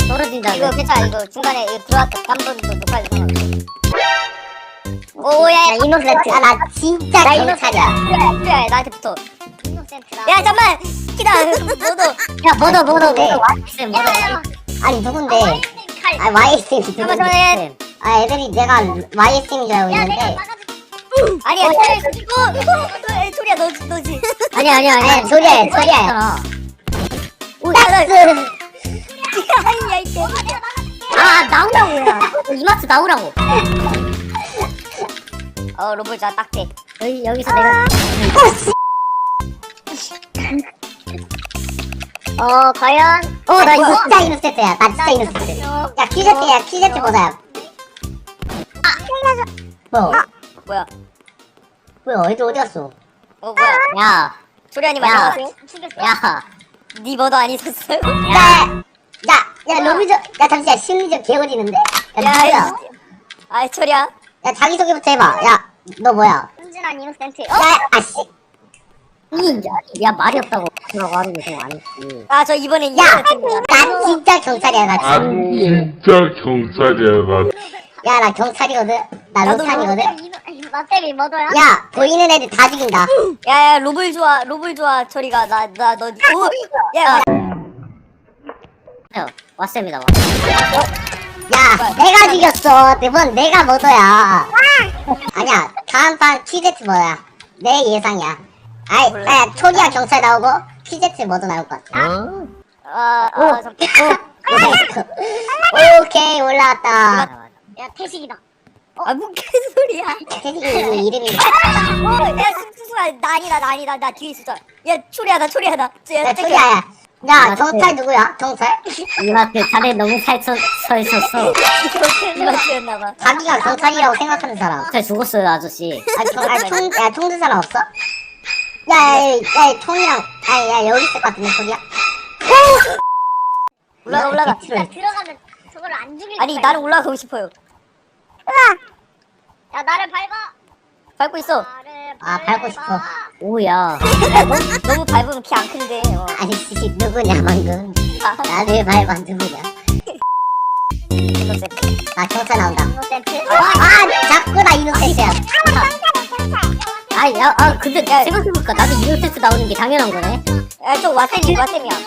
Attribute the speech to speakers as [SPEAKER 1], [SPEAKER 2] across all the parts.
[SPEAKER 1] 떨어진다.
[SPEAKER 2] 이거 괜찮아. 이거 중간에 이거 들어왔다. 깜번도 녹화해서 상관없어. 오야
[SPEAKER 3] 이노센트. 아, 나 진짜 경찰이야.
[SPEAKER 2] 그래 나한테 붙어. 이노센트다. 야 잠만 키다 너도.
[SPEAKER 1] 야 뭐도
[SPEAKER 3] 네.
[SPEAKER 1] 와이쌤 뭐도.
[SPEAKER 3] 아니, 누군데? 아, YSM
[SPEAKER 2] 잠깐만
[SPEAKER 3] 누군데? 아, 애들이 내가 YSM인 줄 알고 있는데.
[SPEAKER 2] 아니야 소리야 너지.
[SPEAKER 1] 아니야.
[SPEAKER 3] 소리야.
[SPEAKER 1] 오야
[SPEAKER 2] 아니야 이때.
[SPEAKER 1] 아 나오라고야. 이마트 나오라고.
[SPEAKER 2] 로봇 자 딱대.
[SPEAKER 1] 여기서 내가.
[SPEAKER 2] 과연.
[SPEAKER 3] 나 이거 진짜 이노센트야. 나 진짜 이노센트. 야, 퀴제트 보자.
[SPEAKER 2] 뭐야?
[SPEAKER 3] 뭐야, 애들 어디 갔어?
[SPEAKER 2] 뭐야?
[SPEAKER 1] 야
[SPEAKER 2] 소리아님
[SPEAKER 1] 야.
[SPEAKER 2] 안녕하세요.
[SPEAKER 1] 야.
[SPEAKER 2] 니 뭐도 안 있었어요?
[SPEAKER 3] 야, 로비전, 야, 잠시만, 심리적 개어지는데? 야, 누구야?
[SPEAKER 2] 아 소리야.
[SPEAKER 3] 야, 자기소개부터 해봐. 야, 너 뭐야?
[SPEAKER 2] 순진한 이노센트.
[SPEAKER 3] 야, 아씨.
[SPEAKER 1] 야 말이 없다고 그러고 하는 게 좀 아니지.
[SPEAKER 2] 저 이번엔
[SPEAKER 3] 야,
[SPEAKER 2] 이노센트입니다.
[SPEAKER 3] 나 진짜 경찰이야, 나 진짜.
[SPEAKER 4] 진짜 경찰이야 나.
[SPEAKER 3] 야, 나 경찰이거든? 나 로탄이거든?
[SPEAKER 2] 마쌤이 뭐더야?
[SPEAKER 3] 야, 보이는 애들 다 죽인다.
[SPEAKER 2] 야야 로블 좋아 저리가 나너 오! 야
[SPEAKER 1] 왓쌤이다.
[SPEAKER 3] 야, 내가 죽였어. 이번 내가 머더야. 아니야, 다음 판 퀴제트 뭐야? 내 예상이야. 야, 초기야 경찰 나오고, 퀴제트 머더 나올 것 같아. 오케이, 올라왔다.
[SPEAKER 2] 야 태식이다. 뭔 개소리야?
[SPEAKER 3] 태식이 이름이.
[SPEAKER 2] 야 승수야 나 나 뒤에 있었어. 야 초리야 나.
[SPEAKER 3] 야, 초기야, 야, 경찰 누구야? 경찰?
[SPEAKER 1] 이마트 자네 너무 서 있었어.
[SPEAKER 2] 이마트였나봐.
[SPEAKER 3] 자기가 경찰이라고 생각하는 사람.
[SPEAKER 1] 잘 죽었어요 아저씨.
[SPEAKER 3] 총 든 사람 없어? 야, 총이랑, 야, 여기 있을 것 같은데, 초기야?
[SPEAKER 2] 올라가.
[SPEAKER 5] 들어가면 저걸 안 죽일
[SPEAKER 2] 아니 나는 올라가고 싶어요.
[SPEAKER 5] 야 나를 밟아.
[SPEAKER 2] 밟고 있어.
[SPEAKER 3] 아, 밟고 싶어.
[SPEAKER 1] 오야.
[SPEAKER 2] 너무 밟으면 키 안 큰데.
[SPEAKER 3] 아니, 씨, 누구냐, 방금. 나를 밟아, 누구냐. 나 경찰 나온다.
[SPEAKER 2] 이노센트.
[SPEAKER 3] 자꾸 나 이노센트야.
[SPEAKER 1] 근데 생각해보니까 나도 이노센트 나오는 게 당연한 거네.
[SPEAKER 2] 야저 와쌤이야.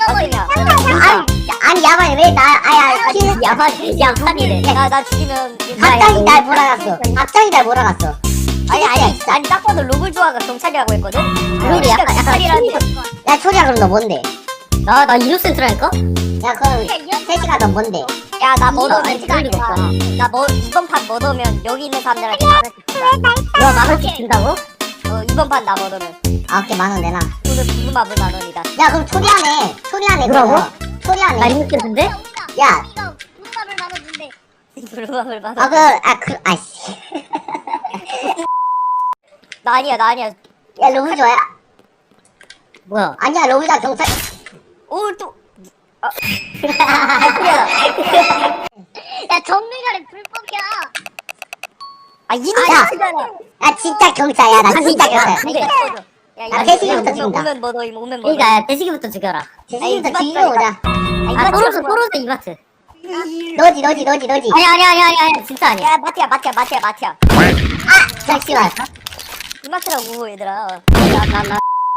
[SPEAKER 3] 아니, 야만이 왜
[SPEAKER 1] 야판이래.
[SPEAKER 2] 나 죽이면
[SPEAKER 3] 갑자기 날 몰아갔어.
[SPEAKER 2] 아니 딱 봐도 로블 조아가 경찰이라고 했거든.
[SPEAKER 1] 그러게 약간
[SPEAKER 2] 경찰이라는데.
[SPEAKER 3] 야, 초리야, 그럼 너 뭔데?
[SPEAKER 1] 나 이노센트라니까?
[SPEAKER 3] 야, 그럼, 세시가 너 뭔데?
[SPEAKER 2] 야나 머더면
[SPEAKER 1] 아니, 그럴 리가 없잖아.
[SPEAKER 2] 이번 판 머더면 여기 있는 사람들한테 만원씩 준다.
[SPEAKER 1] 너 만원씩 준다고?
[SPEAKER 2] 이번 판 나 머더면
[SPEAKER 3] 오케이, 10,000원 내놔.
[SPEAKER 2] 오늘 부금합을 10,000원이다.
[SPEAKER 3] 야, 그럼 초리하네.
[SPEAKER 1] 뭐라고? 나
[SPEAKER 3] 초리하네.
[SPEAKER 1] 이노센트인데?
[SPEAKER 3] 야,
[SPEAKER 5] 이거 무릎밥을 나눠준대.
[SPEAKER 2] 부금합을 10,000원.
[SPEAKER 3] 아씨.
[SPEAKER 2] 나 아니야.
[SPEAKER 3] 야, 로비 좋아야?
[SPEAKER 1] 뭐야?
[SPEAKER 3] 아니야, 로비다 경찰.
[SPEAKER 2] 또.
[SPEAKER 5] 야 정밀결에 불법이야.
[SPEAKER 2] 이노센트잖아.
[SPEAKER 3] 야, 진짜 경찰이야. 나 진짜 경찰. 나 태식이부터 죽인다.
[SPEAKER 2] 오면 머더.
[SPEAKER 1] 그니까 대식이부터 죽여라.
[SPEAKER 3] 태식이부터 죽이고 오자.
[SPEAKER 1] 떨어져 이마트.
[SPEAKER 3] 너지.
[SPEAKER 1] 아니야 진짜 아니야.
[SPEAKER 2] 야 마티야.
[SPEAKER 3] 잠시만.
[SPEAKER 2] 이마트라고 얘들아.
[SPEAKER 1] 나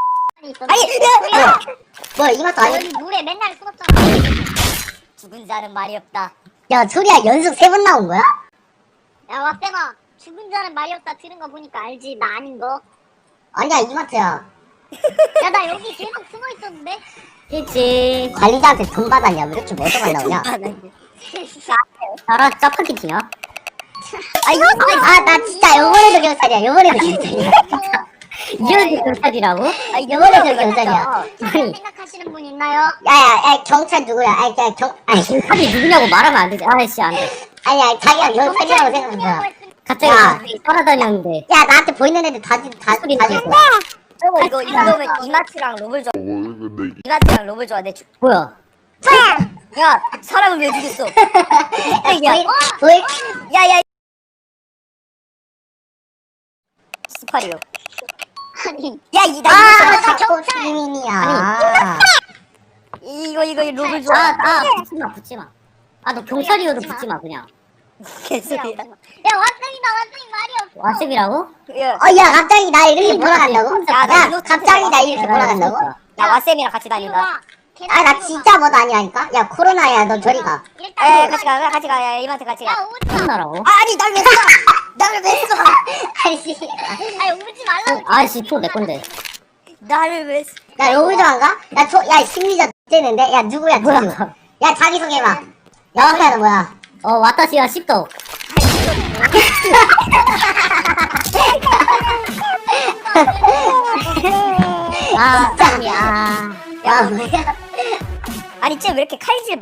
[SPEAKER 3] 뭐, 이것도 아니.
[SPEAKER 5] 여기 물에 맨날 숨었잖아.
[SPEAKER 2] 죽은 자는 말이 없다.
[SPEAKER 3] 야, 초리야, 연속 3번 나온 거야?
[SPEAKER 5] 야 왁쌤아 죽은 자는 말이 없다 들은 거 보니까 알지 나 아닌 거.
[SPEAKER 3] 아니야, 이마트야.
[SPEAKER 5] 야 나 여기 계속 숨어 있었는데.
[SPEAKER 1] 그치.
[SPEAKER 3] 관리자한테 돈 받았냐? 왜 이렇게 멀쩡한 나오냐?
[SPEAKER 1] 나라 짜파게티냐?
[SPEAKER 3] 나 진짜 요번에도 경찰이야.
[SPEAKER 1] 이런 경찰이라고?
[SPEAKER 3] 요번에도 경찰이야.
[SPEAKER 5] 다른 생각하시는 분 있나요?
[SPEAKER 3] 야, 경찰 누구야?
[SPEAKER 1] 경찰이 누구냐고 말하면 안 되지. 아이씨 안 돼.
[SPEAKER 3] 아니야, 자기가 경찰이라고 생각한다.
[SPEAKER 1] 갑자기 따라다녔는데.
[SPEAKER 3] 야, 나한테 보이는 애들 다
[SPEAKER 1] 소리
[SPEAKER 3] 죽어.
[SPEAKER 1] 나고.
[SPEAKER 2] 이거면 이마트랑 로블 좋아.
[SPEAKER 4] 근데
[SPEAKER 2] 이마트랑 로블 좋아.
[SPEAKER 1] 뭐야?
[SPEAKER 2] 야 사람을 왜 죽였어?
[SPEAKER 3] 보이?
[SPEAKER 2] 야야 스파리오.
[SPEAKER 5] 아니
[SPEAKER 2] 야
[SPEAKER 3] 자꾸 시민이야.
[SPEAKER 2] 이거 로블 좋아.
[SPEAKER 1] 붙지마. 아 너 경찰이어도 붙지 마 그냥.
[SPEAKER 2] 개소리야.
[SPEAKER 5] 야 완전히 말이 없어.
[SPEAKER 1] 왓셉이라고?
[SPEAKER 2] 야,
[SPEAKER 3] 야 갑자기 나 이렇게 몰아간다고?
[SPEAKER 2] 야, 나
[SPEAKER 3] 야
[SPEAKER 2] 이거
[SPEAKER 3] 갑자기 나 이렇게 몰아간다고?
[SPEAKER 2] 나 왓쌤이랑 같이
[SPEAKER 5] 이리
[SPEAKER 2] 다닌다.
[SPEAKER 5] 와.
[SPEAKER 3] 아 나 진짜 뭐도 아니라니까? 야 코로나야 너 저리 가.
[SPEAKER 2] 에 같이 가, 같이 가. 야, 이마트 같이 가.
[SPEAKER 5] 야 오지 마.
[SPEAKER 1] 혼나라고?
[SPEAKER 2] 아니 날 왜 쏴? 나를 왜 쏴?
[SPEAKER 3] 아이씨
[SPEAKER 5] 아니 오지 말라고.
[SPEAKER 1] 아씨 초 내 건데.
[SPEAKER 2] 나를 왜 쏴?
[SPEAKER 3] 야 로블 좀 안 가? 야 심리적 째는데? 야 누구야 누구?
[SPEAKER 1] 뭐야?
[SPEAKER 3] 야 자기소개해봐. 영학이야 너 뭐야?
[SPEAKER 1] 와타시와 십도. 아 짱이야.
[SPEAKER 3] 야 뭐야?
[SPEAKER 2] 아니 쟤 왜 이렇게 칼질